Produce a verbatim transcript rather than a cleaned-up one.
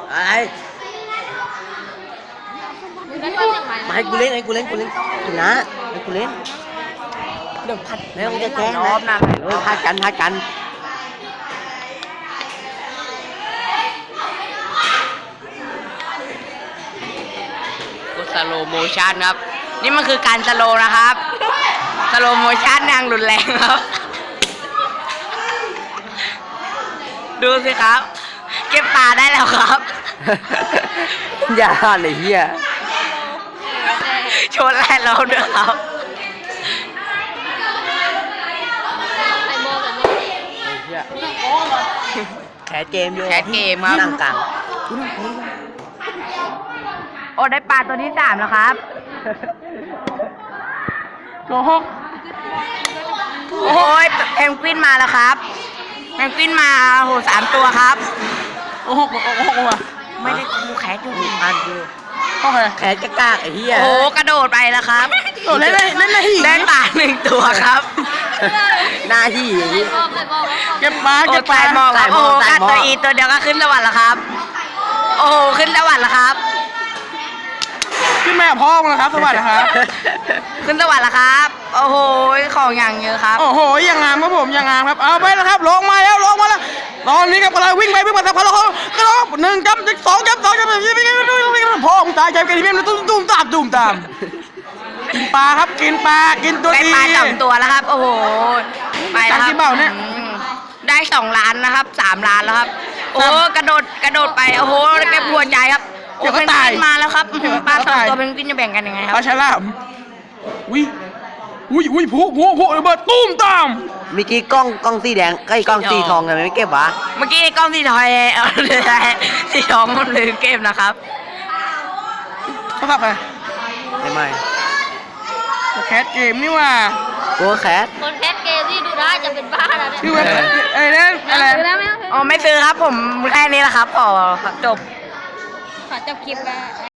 ไอ้มาให้กูเล่นให้กูเล่นกูเล่นชนะให้กูเล่นเดี๋ยวพัดไม่ต้องจะแกล้งนะเออพัดกันพัดกันกูสโลโมชั่นครับนี่มันคือการสโลนะครับสโลโมชั่นนางรุนแรงครับดูสิครับเก็บปลาได้แล้วครับอย่าเลยเฮียชนแรกเราด้วยครับแคสเกมอยู่แคสเกมครับนั่งกลางโอ้ได้ปลาตัวที่สามแล้วครับโอ้โหโอ้ยเพนกวินมาแล้วครับเพนกวินมาโหสามตัวครับโอ้โหโอ้โหไม่ได้ดูแคสอยู่อันอยู่โอเคแคสกากไอ้เฮียโอ้โหกระโดดไปแล้วครับโอ้เล่นเล่นเล่นหินได้ปลาหนึ่งตัวครับหน้าที่อย่างนี้เก็บปลาเก็บปลาหมอกครับโอ้โหกัดตัวอีตัวเดียวก็ขึ้นสวรรค์แล้วครับโอ้โหขึ้นสวรรค์แล้วครับขึ้นมากับพ่อมึงนะครับสวัสดีครับขึ้นสวรรค์แล้วครับโอ้โหของอย่างเยอะครับโอ้โหอย่างงามครับผมอย่างงามครับเอาไปแล้วครับลงมาแล้วลงมาแล้วตอนนี้ครับกำลังวิ่งไปวิ่งมาสักพักแล้วก็ร้องหนึ่งจับสองจับสองจับวิ่งวิ่งวิ่งวิ่งพ่อมึงตายใจกันที่เพี้ยนตุ้มตุ้มตามตุ้มตามกินปลาครับกินปลากินตัวได้ดีปลาสองตัวแล้วครับ โอ้โหไปแล้วคจากรับที่เบ้าเนี่ยอืมได้สองล้านนะครับสามล้านแล้วครับ โอ้โหกระโดดกระโดดไปโอ้โหแกปวดใจครับโอ้เพนกวินมาแล้วครับอื้อหือปลาสองตัวเพนกวินจะแบ่งกันยังไงคปรัลาบฉลามอุ้ยอุ้ยอุ้ยผู้ผู้ผู้ระเบิดตุ้มตามเมื่อกี้กล้องกล้องสีแดงไอ้ยกล้องสีทองทำไมไม่เก็บวะเมื่อกี้กล้องที่ทอยเอาเลยที่ทองมันลืมเกมนะครับเขาทำไงไม่ไม่แคสเกมนี่ว่ากูแคสคนแคสเกมที่ดูได้จะเป็นบ้าแล้วเนี่ยชื่อว่าไอ้นั่นอะไรซื้อแล้วไหมอ๋อไม่ซื้อครับผมแค่นี้แหละครับขอจบขอจบคลิปแล้ว